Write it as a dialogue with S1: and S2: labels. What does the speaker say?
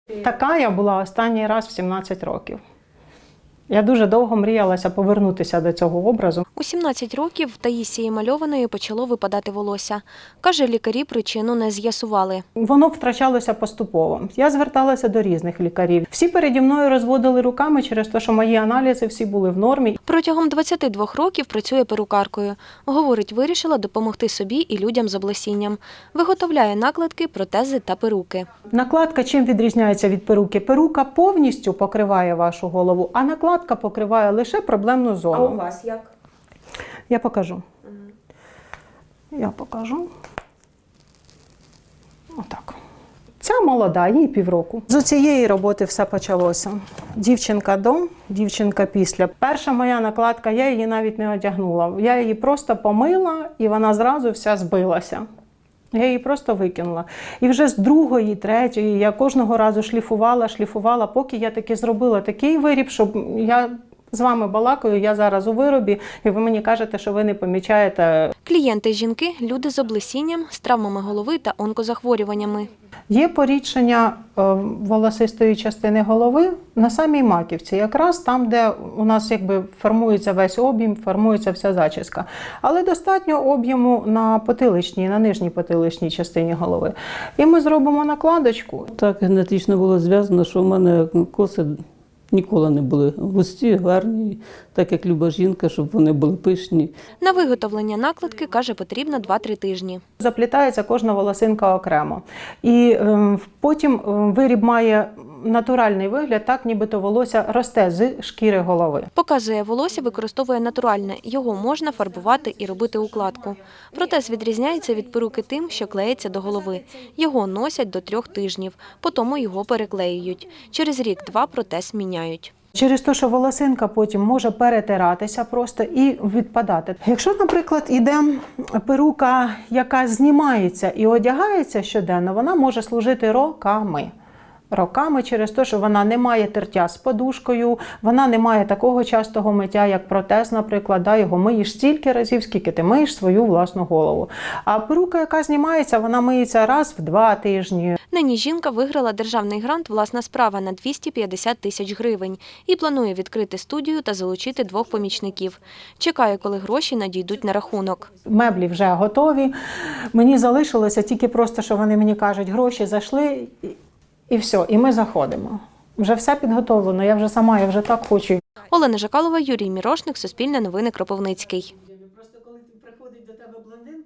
S1: Така я була останній раз в 17 років. Я дуже довго мріялася повернутися до цього образу.
S2: У 17 років в Таїсії Мальованої почало випадати волосся. Каже, лікарі причину не з'ясували.
S1: Воно втрачалося поступово. Я зверталася до різних лікарів. Всі переді мною розводили руками через те, що мої аналізи всі були в нормі.
S2: Протягом 22 років працює перукаркою. Говорить, вирішила допомогти собі і людям з облесінням. Виготовляє накладки, протези та перуки.
S1: Накладка чим відрізняється від перуки? Перука повністю покриває вашу голову, а накладка покриває лише проблемну зону.
S2: А у вас як?
S1: Я покажу. Я покажу. Отак. Ця молода, їй півроку. З цієї роботи все почалося. Дівчинка до, дівчинка після. Перша моя накладка, я її навіть не одягнула. Я її просто помила, і вона зразу вся збилася. Я її просто викинула. І вже з другої, третьої я кожного разу шліфувала, поки я таки зробила такий виріб, щоб я з вами балакаю, я зараз у виробі, і ви мені кажете, що ви не помічаєте.
S2: Клієнти – жінки, люди з облесінням, з травмами голови та онкозахворюваннями.
S1: Є порідшення волосистої частини голови на самій маківці, якраз там, де у нас якби формується весь об'єм, формується вся зачіска. Але достатньо об'єму на потиличній, на нижній потиличній частині голови. І ми зробимо накладочку.
S3: Так генетично було зв'язано, що в мене коси ніколи не були густі, гарні, так як люба жінка, щоб вони були пишні.
S2: На виготовлення накладки, каже, потрібно 2-3 тижні.
S1: Заплітається кожна волосинка окремо. І потім виріб має натуральний вигляд, так нібито волосся росте з шкіри голови.
S2: Показує, волосся використовує натуральне. Його можна фарбувати і робити укладку. Протез відрізняється від перуки тим, що клеїться до голови. Його носять до 3 тижнів, потім його переклеюють. Через рік-два протез міняють.
S1: Через те, що волосинка потім може перетиратися просто і відпадати. Якщо, наприклад, іде перука, яка знімається і одягається щоденно, вона може служити роками. Роками через те, що вона не має тертя з подушкою, вона не має такого частого миття, як протез, наприклад, його миєш стільки разів, скільки ти миєш свою власну голову. А перука, яка знімається, вона миється раз в 2 тижні.
S2: Нині жінка виграла державний грант «Власна справа» на 250 тисяч гривень і планує відкрити студію та залучити 2 помічників. Чекає, коли гроші надійдуть на рахунок.
S1: Меблі вже готові. Мені залишилося тільки просто, що вони мені кажуть, гроші зайшли, і все, і ми заходимо. Вже все підготовлено, я вже сама, я вже так хочу.
S2: Олена Жакалова, Юрій Мірошник, Суспільне новини, Кропивницький.